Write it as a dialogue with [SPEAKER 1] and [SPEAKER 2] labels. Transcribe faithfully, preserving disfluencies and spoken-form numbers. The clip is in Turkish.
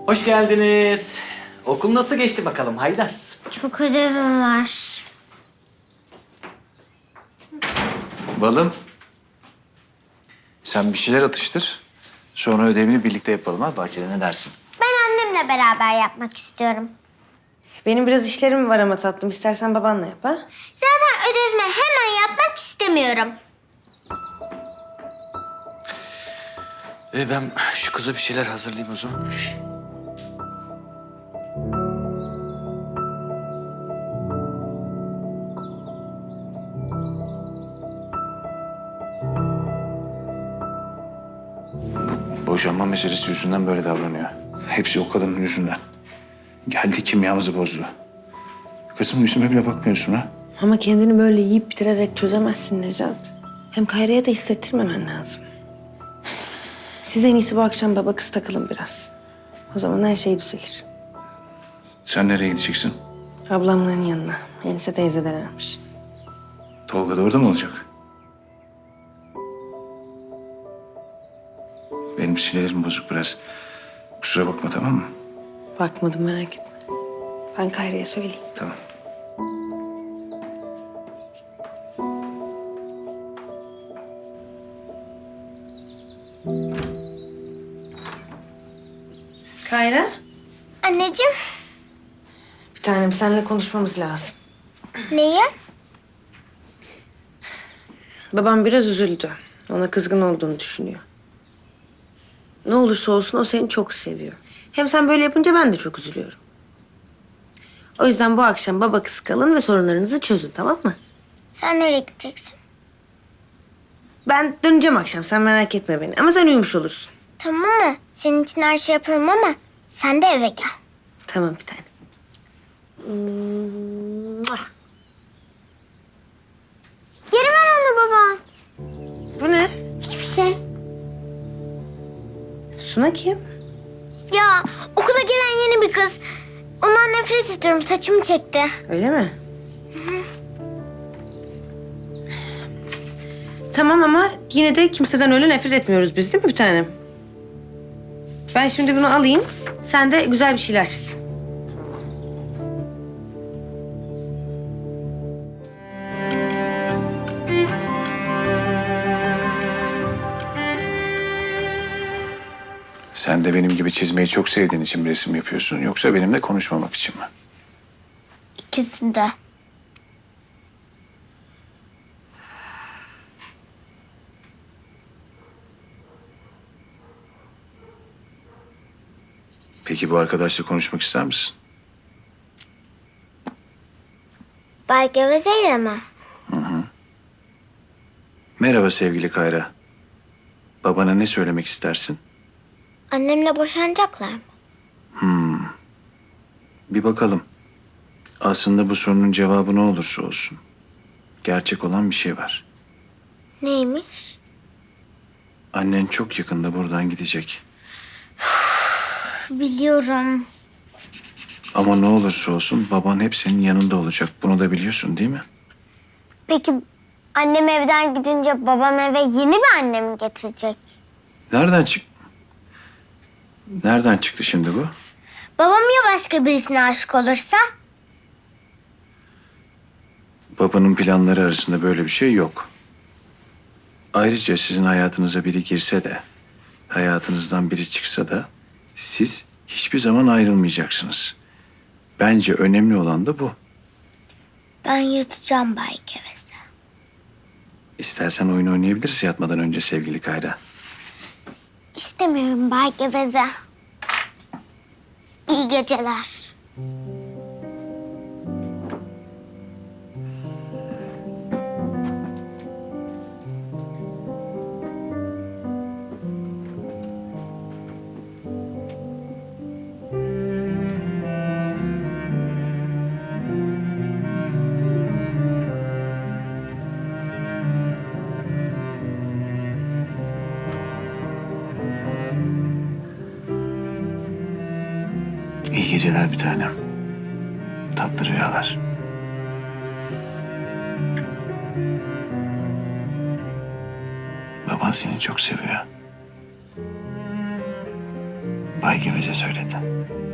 [SPEAKER 1] Hoş geldiniz. Okul nasıl geçti bakalım Haydas?
[SPEAKER 2] Çok ödevim var.
[SPEAKER 3] Balım. Sen bir şeyler atıştır. Sonra ödevini birlikte yapalım ha. Bahçede ne dersin?
[SPEAKER 2] Ben annemle beraber yapmak istiyorum.
[SPEAKER 4] Benim biraz işlerim var ama tatlım. İstersen babanla yap ha.
[SPEAKER 2] Zaten ödevimi hemen yapmak istemiyorum.
[SPEAKER 3] Ee, ben şu kıza bir şeyler hazırlayayım o zaman. Bu boşanma meselesi yüzünden böyle davranıyor. Hepsi o kadının yüzünden. Geldi kimyamızı bozdu. Kızım yüzüme bile bakmıyorsun ha.
[SPEAKER 4] Ama kendini böyle yiyip bitirerek çözemezsin Necat. Hem Kayra'ya da hissettirmemen lazım. Siz en iyisi bu akşam baba kız takılın biraz. O zaman her şey düzelir.
[SPEAKER 3] Sen nereye gideceksin?
[SPEAKER 4] Ablamların yanına. Enise teyzeden aramış.
[SPEAKER 3] Tolga da orada mı olacak? Benim sinirlerim bozuk biraz. Kusura bakma, tamam mı?
[SPEAKER 4] Bakmadım, merak etme. Ben Kayra'ya söyleyeyim.
[SPEAKER 3] Tamam.
[SPEAKER 4] Kayra?
[SPEAKER 2] Anneciğim,
[SPEAKER 4] Bir tanem, seninle konuşmamız lazım.
[SPEAKER 2] neyi?
[SPEAKER 4] Babam biraz üzüldü. Ona kızgın olduğunu düşünüyor. Ne olursa olsun o seni çok seviyor. Hem sen böyle yapınca ben de çok üzülüyorum. O yüzden bu akşam baba kız kalın ve sorunlarınızı çözün, tamam mı?
[SPEAKER 2] Sen nereye gideceksin?
[SPEAKER 4] Ben döneceğim akşam, sen merak etme beni. Ama sen uyumuş olursun.
[SPEAKER 2] Tamam mı? Senin için her şey yaparım ama sen de eve gel.
[SPEAKER 4] Tamam bir tane.
[SPEAKER 2] Geri ver onu baba.
[SPEAKER 4] Bu ne?
[SPEAKER 2] Hiçbir şey.
[SPEAKER 4] Suna kim?
[SPEAKER 2] Ya okula gelen yeni bir kız. Ondan nefret ediyorum. Saçımı çekti.
[SPEAKER 4] Öyle mi? Tamam ama yine de kimseden öyle nefret etmiyoruz biz, değil mi bir tanem? Ben şimdi bunu alayım. Sen de güzel bir şeyler çiz.
[SPEAKER 3] Sen de benim gibi çizmeyi çok sevdiğin için bir resim yapıyorsun. Yoksa benimle konuşmamak için mi?
[SPEAKER 2] İkisi de.
[SPEAKER 3] Peki bu arkadaşla konuşmak ister misin?
[SPEAKER 2] Bay Geveze'yle mi?
[SPEAKER 3] Merhaba sevgili Kayra. Babana ne söylemek istersin?
[SPEAKER 2] Annemle boşanacaklar mı?
[SPEAKER 3] Bir bakalım. Aslında bu sorunun cevabı ne olursa olsun. Gerçek olan bir şey var.
[SPEAKER 2] Neymiş?
[SPEAKER 3] Annen çok yakında buradan gidecek.
[SPEAKER 2] Biliyorum.
[SPEAKER 3] Ama ne olursa olsun baban hep senin yanında olacak. Bunu da biliyorsun değil mi?
[SPEAKER 2] Peki annem evden gidince babam eve yeni bir anne mi getirecek?
[SPEAKER 3] Nereden çık... Nereden çıktı şimdi bu?
[SPEAKER 2] Babam ya başka birisine aşık olursa?
[SPEAKER 3] Babanın planları arasında böyle bir şey yok. Ayrıca sizin hayatınıza biri girse de, hayatınızdan biri çıksa da siz hiçbir zaman ayrılmayacaksınız. Bence önemli olan da bu.
[SPEAKER 2] Ben yatacağım Bay Geveze.
[SPEAKER 3] İstersen oyun oynayabiliriz yatmadan önce sevgili Kayra.
[SPEAKER 2] İstemiyorum Bay Geveze. İyi geceler.
[SPEAKER 3] İyi geceler bir tanem. Tatlı rüyalar. Baban seni çok seviyor. Bay Geveze söyledi.